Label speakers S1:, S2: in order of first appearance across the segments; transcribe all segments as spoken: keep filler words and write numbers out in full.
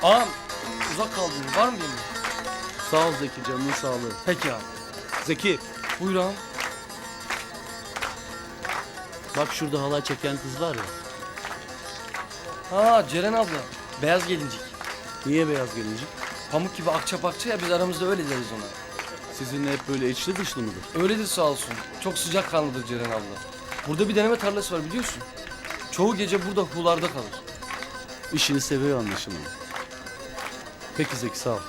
S1: Ağam uzak kaldın. Var mı yemin?
S2: Sağ ol Zeki, canının sağlığı.
S1: Peki ağam.
S2: Zeki,
S1: Buyur ağam.
S2: bak şurada halay çeken kız var ya.
S1: Ha Ceren abla. Beyaz gelincik.
S2: Niye beyaz gelincik?
S1: Pamuk gibi akça pakça ya biz aramızda öyle deriz ona.
S2: Sizinle hep böyle içli dışlı mıdır?
S1: Öyledir sağ olsun. Çok sıcak kanlıdır Ceren abla. Burada bir deneme tarlası var biliyorsun. Çoğu gece burada hularda kalır.
S2: İşini seviyor anlaşılan. Peki Zeki, sağ ol.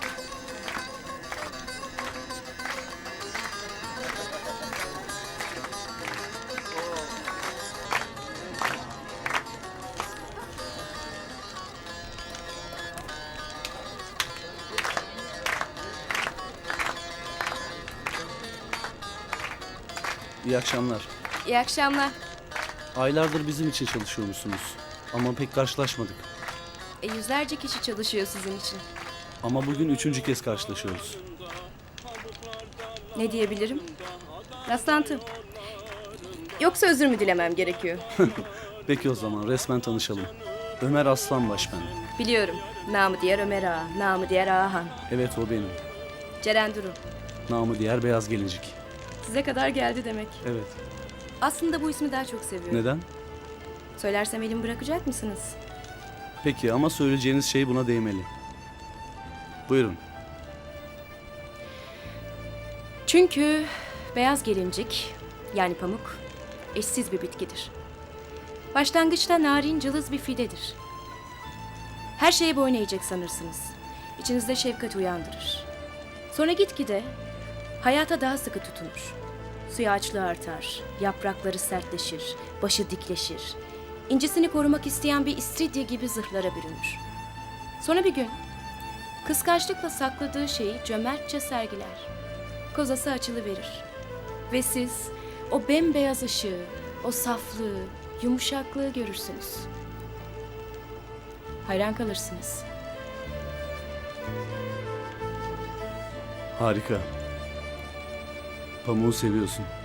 S2: İyi akşamlar.
S3: İyi akşamlar.
S2: Aylardır bizim için çalışıyormuşsunuz. Ama pek karşılaşmadık.
S3: E, yüzlerce kişi çalışıyor sizin için.
S2: Ama bugün üçüncü kez karşılaşıyoruz.
S3: Ne diyebilirim? Rastlantı. Yoksa özür mü dilemem gerekiyor?
S2: Peki o zaman resmen tanışalım. Ömer Aslanbaş ben.
S3: Biliyorum. Namı diğer Ömer Ağa, namı diğer Ağahan.
S2: Evet, o benim.
S3: Ceren Duru.
S2: Namı diğer beyaz gelincik.
S3: Size kadar geldi demek.
S2: Evet.
S3: Aslında bu ismi daha çok seviyorum.
S2: Neden?
S3: Söylersem elimi bırakacak mısınız?
S2: Peki ama söyleyeceğiniz şey buna değmeli. Buyurun.
S3: Çünkü beyaz gelincik, yani pamuk, eşsiz bir bitkidir. Başlangıçta narin, cılız bir fidedir. Her şeye boyun eğecek sanırsınız. İçinizde şefkat uyandırır. Sonra gitgide hayata daha sıkı tutunur. Suya açlığı artar, yaprakları sertleşir, başı dikleşir. İncisini korumak isteyen bir istiridye gibi zırhlara bürünür. Sonra bir gün kıskançlıkla sakladığı şeyi cömertçe sergiler. Kozası açılıverir. Ve siz o bembeyaz ışığı, o saflığı, yumuşaklığı görürsünüz. Hayran kalırsınız.
S2: Harika. Pamuğu seviyorsun.